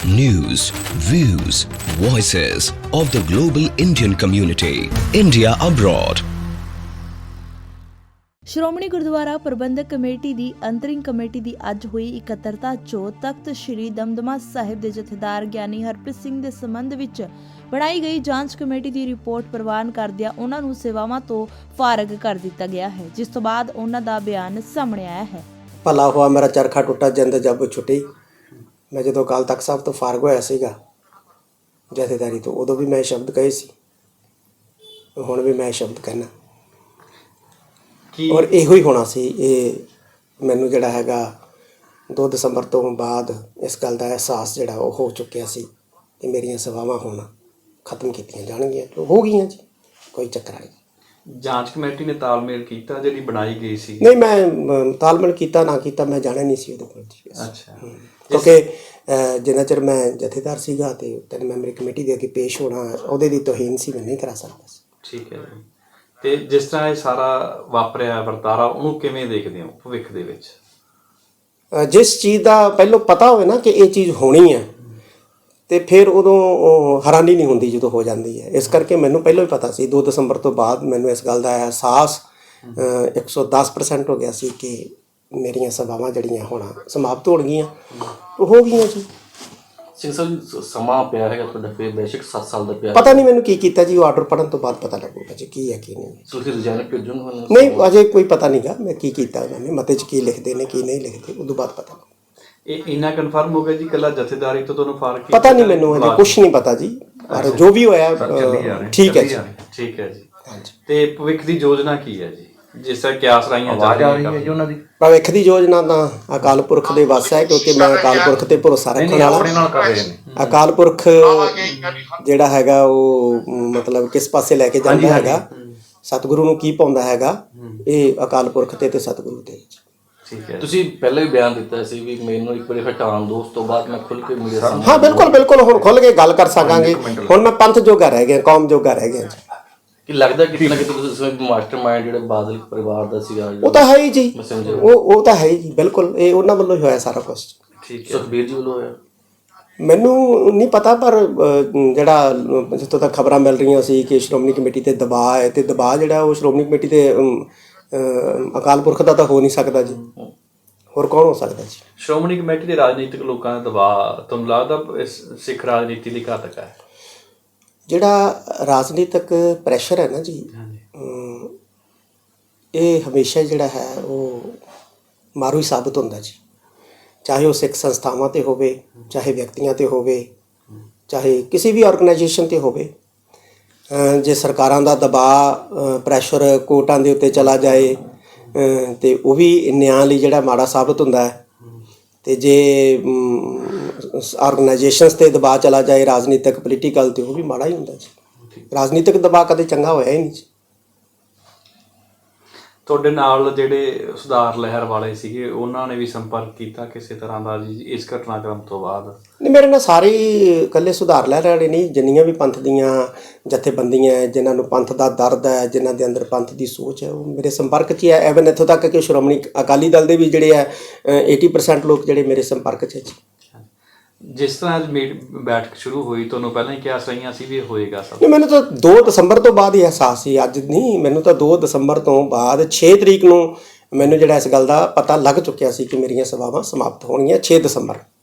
News, views, voices of the global Indian community. India abroad. Shiromani Gurdwara Parbandhak committee ਦੀ ਅੰਤਰਿੰਗ committee ਦੀ ਅੱਜ ਹੋਈ ਇਕੱਤਰਤਾ 'ਚੋਂ ਤਖਤ ਸ੍ਰੀ ਦਮਦਮਾ ਸਾਹਿਬ ਦੇ ਜਥੇਦਾਰ ਗਿਆਨੀ ਹਰਪ੍ਰੀਤ ਸਿੰਘ ਦੇ ਸੰਬੰਧ ਵਿੱਚ ਬਣਾਈ ਗਈ ਜਾਂਚ ਕਮੇਟੀ ਦੀ ਰਿਪੋਰਟ ਪ੍ਰਵਾਨ ਕਰਦਿਆਂ ਉਹਨਾਂ ਨੂੰ ਸੇਵਾਵਾਂ ਤੋਂ ਫਾਰਗ ਕਰ ਦਿੱਤਾ ਗਿਆ ਹੈ, ਜਿਸ ਤੋਂ ਬਾਅਦ ਉਹਨਾਂ ਦਾ ਬਿਆਨ ਸਾਹਮਣੇ ਆਇਆ ਹੈ। ਭਲਾ ਹੋਇਆ ਮੇਰਾ ਚਰਖਾ ਟੁੱਟਾ ਜਿੰਦ ਜੱਬ ਛੁੱਟੀ। ਮੈਂ ਜਦੋਂ ਅਕਾਲ ਤਖਤ ਸਾਹਿਬ ਤੋਂ ਫਾਰਗ ਹੋਇਆ ਸੀਗਾ ਜਥੇਦਾਰੀ ਤੋਂ, ਉਦੋਂ ਵੀ ਮੈਂ ਸ਼ਬਦ ਕਹੇ ਸੀ, ਹੁਣ ਵੀ ਮੈਂ ਸ਼ਬਦ ਕਹਿਣਾ ਔਰ ਇਹੋ ਹੀ ਹੋਣਾ ਸੀ। ਇਹ ਮੈਨੂੰ ਜਿਹੜਾ ਹੈਗਾ 2 ਦਸੰਬਰ ਤੋਂ ਬਾਅਦ ਇਸ ਗੱਲ ਦਾ ਅਹਿਸਾਸ ਜਿਹੜਾ ਉਹ ਹੋ ਚੁੱਕਿਆ ਸੀ ਕਿ ਮੇਰੀਆਂ ਸੇਵਾਵਾਂ ਹੁਣ ਖਤਮ ਕੀਤੀਆਂ ਜਾਣਗੀਆਂ। ਹੋ ਗਈਆਂ ਜੀ, ਕੋਈ ਚੱਕਰ ਨਹੀਂ। ਜਾਂਚ ਕਮੇਟੀ ਨੇ ਤਾਲਮੇਲ ਕੀਤਾ ਜਿਹੜੀ ਬਣਾਈ ਗਈ ਸੀ? ਨਹੀਂ, ਮੈਂ ਤਾਲਮੇਲ ਕੀਤਾ ਨਾ ਕੀਤਾ ਮੈਂ ਜਾਣਿਆ ਨਹੀਂ ਸੀ ਉਹਦੇ ਕੋਲ ਜੀ। ਅੱਛਾ, ਕਿਉਂਕਿ ਜਿੰਨਾ ਚਿਰ ਮੈਂ ਜਥੇਦਾਰ ਸੀਗਾ ਤੇ 3 ਮੈਂਬਰੀ ਕਮੇਟੀ ਦੇ ਅੱਗੇ ਪੇਸ਼ ਹੋਣਾ ਉਹਦੇ ਦੀ ਤੋਹੀਨ ਸੀ, ਮੈਂ ਨਹੀਂ ਕਰਾ ਸਕਦਾ ਸੀ। ਠੀਕ ਹੈ ਜੀ। ਤੇ ਜਿਸ ਤਰ੍ਹਾਂ ਇਹ ਸਾਰਾ ਵਾਪਰਿਆ ਵਰਤਾਰਾ, ਉਹਨੂੰ ਕਿਵੇਂ ਦੇਖਦੇ ਹੋ ਭਵਿੱਖ ਦੇ ਵਿੱਚ? ਜਿਸ ਚੀਜ਼ ਦਾ ਪਹਿਲਾਂ ਪਤਾ ਹੋਵੇ ਨਾ ਕਿ ਇਹ ਚੀਜ਼ ਹੋਣੀ ਹੈ ਤੇ ਫਿਰ ਉਦੋਂ ਹੈਰਾਨੀ ਨਹੀਂ ਹੁੰਦੀ ਜਦੋਂ ਹੋ ਜਾਂਦੀ ਹੈ। ਇਸ ਕਰਕੇ ਮੈਨੂੰ ਪਹਿਲਾਂ ਹੀ ਪਤਾ ਸੀ। 2 ਦਸੰਬਰ ਤੋਂ ਬਾਅਦ ਮੈਨੂੰ ਇਸ ਗੱਲ ਦਾ ਅਹਿਸਾਸ 110% ਹੋ ਗਿਆ ਸੀ ਕਿ ਮੇਰੀਆਂ ਸੇਵਾਵਾਂ ਜਿਹੜੀਆਂ ਹੋਣਾ ਸਮਾਪਤ ਹੋ ਗਈਆਂ, ਹੋ ਗਈਆਂ ਜੀ। ਸਿੰਘ ਸਾਹਿਬ ਸਮਾਂ ਪਿਆ ਹੈਗਾ ਤੁਹਾਡਾ, ਫਿਰ ਬੇਸ਼ੱਕ 7 ਸਾਲ ਦਾ ਪਿਆ। ਪਤਾ ਨਹੀਂ ਮੈਨੂੰ ਕੀ ਕੀਤਾ ਜੀ, ਉਹ ਆਰਡਰ ਪੜ੍ਹਨ ਤੋਂ ਬਾਅਦ ਪਤਾ ਲੱਗੂਗਾ ਜੀ ਕੀ ਹੈ ਕੀ ਨਹੀਂ। ਤੁਸੀਂ ਰਿਜ਼ਾਈਨ ਭੇਜੋਗੇ? ਨਹੀਂ, ਅਜੇ ਕੋਈ ਪਤਾ ਨਹੀਂਗਾ ਮੈਂ ਕੀ ਕੀਤਾ ਉਹਨਾਂ ਨੇ, ਮਤੇ 'ਚ ਕੀ ਲਿਖਦੇ ਨੇ ਕੀ ਨਹੀਂ ਲਿਖਦੇ, ਉਦੋਂ ਬਾਅਦ ਪਤਾ ਲੱਗੂ। ਇਹ ਇੰਨਾ ਕਨਫਰਮ ਹੋ ਗਿਆ ਜੀ ਇਕੱਲਾ ਜਥੇਦਾਰੀ ਤੋਂ ਤੁਹਾਨੂੰ ਫਰਕ? ਪਤਾ ਨਹੀਂ ਮੈਨੂੰ, ਅਜੇ ਕੁਝ ਨਹੀਂ ਪਤਾ ਜੀ, ਪਰ ਜੋ ਵੀ ਹੋਇਆ ਠੀਕ ਹੈ ਜੀ। ਠੀਕ ਹੈ ਜੀ। ਤੇ ਭਵਿੱਖ ਦੀ ਯੋਜਨਾ ਕੀ ਹੈ ਜੀ, ਜਿਸ ਤਰ੍ਹਾਂ ਕਿਆਸ ਰਾਈਆਂ ਜਾ ਰਹੀਆਂ ਜੀ ਉਹਨਾਂ ਦੀ? ਭਵਿੱਖ ਦੀ ਯੋਜਨਾ ਤਾਂ ਅਕਾਲ ਪੁਰਖ ਦੇ ਵੱਸ ਹੈ, ਕਿਉਂਕਿ ਮੈਂ ਅਕਾਲ ਪੁਰਖ ਤੇ ਭਰੋਸਾ ਰੱਖਣ ਵਾਲਾ। ਅਕਾਲ ਪੁਰਖ ਜਿਹੜਾ ਹੈਗਾ ਉਹ ਮਤਲਬ ਕਿਸ ਪਾਸੇ ਲੈ ਕੇ ਜਾਂਦਾ ਹੈਗਾ, ਸਤਿਗੁਰੂ ਨੂੰ ਕੀ ਪਾਉਂਦਾ ਹੈਗਾ, ਇਹ ਅਕਾਲ ਪੁਰਖ ਤੇ ਸਤਿਗੁਰੂ ਤੇ। ਠੀਕ ਹੈ। ਤੁਸੀਂ ਪਹਿਲਾਂ ਵੀ ਬਿਆਨ ਦਿੱਤਾ ਸੀ ਵੀ ਮੈਨੂੰ ਇੱਕ ਵਾਰੀ ਹਟਾਉਣ ਦੋ, ਉਸ ਤੋਂ ਬਾਅਦ ਮੈਂ ਖੁੱਲ ਕੇ ਮੀਡੀਆ ਸਾਹਮਣੇ। ਹਾਂ ਬਿਲਕੁਲ ਬਿਲਕੁਲ, ਹੁਣ ਖੁੱਲ ਕੇ ਗੱਲ ਕਰ ਸਕਾਂਗੇ। ਹੁਣ ਮੈਂ ਪੰਥ ਜੋਗਾ ਰਹਿ ਗਿਆ, ਕੌਮ ਜੋਗਾ ਰਹਿ ਗਿਆ। ਕਿ ਲੱਗਦਾ ਕਿਤੇ ਨਾ ਕਿਤੇ ਤੁਸੀਂ ਮਾਸਟਰ ਮਾਈਂਡ ਜਿਹੜੇ ਬਾਦਲ ਪਰਿਵਾਰ ਦਾ ਸੀਗਾ, ਉਹ ਤਾਂ ਹੈ ਹੀ ਜੀ, ਉਹ ਤਾਂ ਹੈ ਹੀ ਜੀ, ਬਿਲਕੁਲ ਇਹ ਉਹਨਾਂ ਵੱਲੋਂ ਹੀ ਹੋਇਆ ਸਾਰਾ ਕੁਝ। ਠੀਕ ਹੈ। ਸੁਖਬੀਰ ਜੀ ਵੱਲੋਂ ਹੋਇਆ? ਮੈਨੂੰ ਨਹੀਂ ਪਤਾ, ਪਰ ਜਿਹੜਾ ਜਿੱਥੋਂ ਤੱਕ ਖਬਰਾਂ ਮਿਲ ਰਹੀਆਂ ਸੀ ਕਿ ਸ਼੍ਰੋਮਣੀ ਕਮੇਟੀ ਤੇ ਦਬਾਅ ਹੈ, ਤੇ ਦਬਾਅ ਜਿਹੜਾ ਉਹ ਸ਼੍ਰੋਮਣੀ ਕਮੇਟੀ ਤੇ ਅਕਾਲ ਪੁਰਖ ਦਾ ਤਾਂ ਹੋ ਨਹੀਂ ਸਕਦਾ ਜੀ, ਹੋਰ ਕੌਣ ਹੋ ਸਕਦਾ ਜੀ? ਸ਼੍ਰੋਮਣੀ ਕਮੇਟੀ ਦੇ ਰਾਜਨੀਤਿਕ ਲੋਕਾਂ ਦਾ ਦਬਾਅ ਤੁਹਾਨੂੰ ਲੱਗਦਾ ਇਸ ਸਿੱਖ ਰਾਜਨੀਤੀ ਲਈ ਘਾਤਕ ਹੈ? ਜਿਹੜਾ ਰਾਜਨੀਤਿਕ ਪ੍ਰੈਸ਼ਰ ਹੈ ਨਾ ਜੀ, ਇਹ ਹਮੇਸ਼ਾ ਜਿਹੜਾ ਹੈ ਉਹ ਮਾਰੂ ਹੀ ਸਾਬਤ ਹੁੰਦਾ ਜੀ, ਚਾਹੇ ਉਹ ਸਿੱਖ ਸੰਸਥਾਵਾਂ ਤੇ ਹੋਵੇ, ਚਾਹੇ ਵਿਅਕਤੀਆਂ ਤੇ ਹੋਵੇ, ਚਾਹੇ ਕਿਸੇ ਵੀ ਆਰਗੇਨਾਈਜੇਸ਼ਨ ਤੇ ਹੋਵੇ। ਜੇ ਸਰਕਾਰਾਂ ਦਾ ਦਬਾਅ ਪ੍ਰੈਸ਼ਰ ਕੋਰਟਾਂ ਦੇ ਉੱਤੇ ਚਲਾ ਜਾਏ ਤੇ ਉਹ ਵੀ ਨਿਆਂ ਲਈ ਜਿਹੜਾ ਮਾੜਾ ਸਾਬਤ ਹੁੰਦਾ ਹੈ, ਤੇ ਜੇ ਆਰਗੇਨਾਈਜੇਸ਼ਨਸ ਤੇ ਦਬਾਅ ਚਲਾ ਜਾਏ ਰਾਜਨੀਤਿਕ ਪੋਲੀਟੀਕਲ, ਤੇ ਉਹ ਵੀ ਮਾੜਾ ਹੀ ਹੁੰਦਾ ਜੀ। ਰਾਜਨੀਤਿਕ ਦਬਾਅ ਕਦੇ ਚੰਗਾ ਹੋਇਆ ਹੀ ਨਹੀਂ ਜੀ। ਤੁਹਾਡੇ ਨਾਲ ਜਿਹੜੇ ਸੁਧਾਰ ਲਹਿਰ ਵਾਲੇ ਸੀਗੇ ਉਹਨਾਂ ਨੇ ਵੀ ਸੰਪਰਕ ਕੀਤਾ ਕਿਸੇ ਤਰ੍ਹਾਂ ਦਾ ਜੀ ਇਸ ਘਟਨਾਕ੍ਰਮ ਤੋਂ ਬਾਅਦ? ਨਹੀਂ, ਮੇਰੇ ਨਾਲ ਸਾਰੇ ਇਕੱਲੇ ਸੁਧਾਰ ਲਹਿਰ ਵਾਲੇ ਨਹੀਂ, ਜਿੰਨੀਆਂ ਵੀ ਪੰਥ ਦੀਆਂ ਜਥੇਬੰਦੀਆਂ ਜਿਨ੍ਹਾਂ ਨੂੰ ਪੰਥ ਦਾ ਦਰਦ ਹੈ, ਜਿਨ੍ਹਾਂ ਦੇ ਅੰਦਰ ਪੰਥ ਦੀ ਸੋਚ ਹੈ, ਉਹ ਮੇਰੇ ਸੰਪਰਕ 'ਚ ਹੀ ਹੈ। ਐਵਨ ਇੱਥੋਂ ਤੱਕ ਕਿ ਸ਼੍ਰੋਮਣੀ ਅਕਾਲੀ ਦਲ ਦੇ ਵੀ ਜਿਹੜੇ ਹੈ 80% ਲੋਕ ਜਿਹੜੇ ਮੇਰੇ ਸੰਪਰਕ 'ਚ ਹੈ ਜੀ। ਜਿਸ ਤਰ੍ਹਾਂ ਅੱਜ ਬੈਠਕ ਸ਼ੁਰੂ ਹੋਈ, ਤੁਹਾਨੂੰ ਪਹਿਲਾਂ ਹੀ ਕਿਆਸ ਰਹੀਆਂ ਸੀ ਵੀ ਇਹ ਹੋਏਗਾ ਸਭ? ਨਹੀਂ, ਮੈਨੂੰ ਤਾਂ 2 ਦਸੰਬਰ ਤੋਂ ਬਾਅਦ ਹੀ ਅਹਿਸਾਸ ਸੀ, ਅੱਜ ਨਹੀਂ। ਮੈਨੂੰ ਤਾਂ 2 ਦਸੰਬਰ ਤੋਂ ਬਾਅਦ 6 ਤਰੀਕ ਨੂੰ ਮੈਨੂੰ ਜਿਹੜਾ ਇਸ ਗੱਲ ਦਾ ਪਤਾ ਲੱਗ ਚੁੱਕਿਆ ਸੀ ਕਿ ਮੇਰੀਆਂ ਸੇਵਾਵਾਂ ਸਮਾਪਤ ਹੋਣਗੀਆਂ। 6 ਦਸੰਬਰ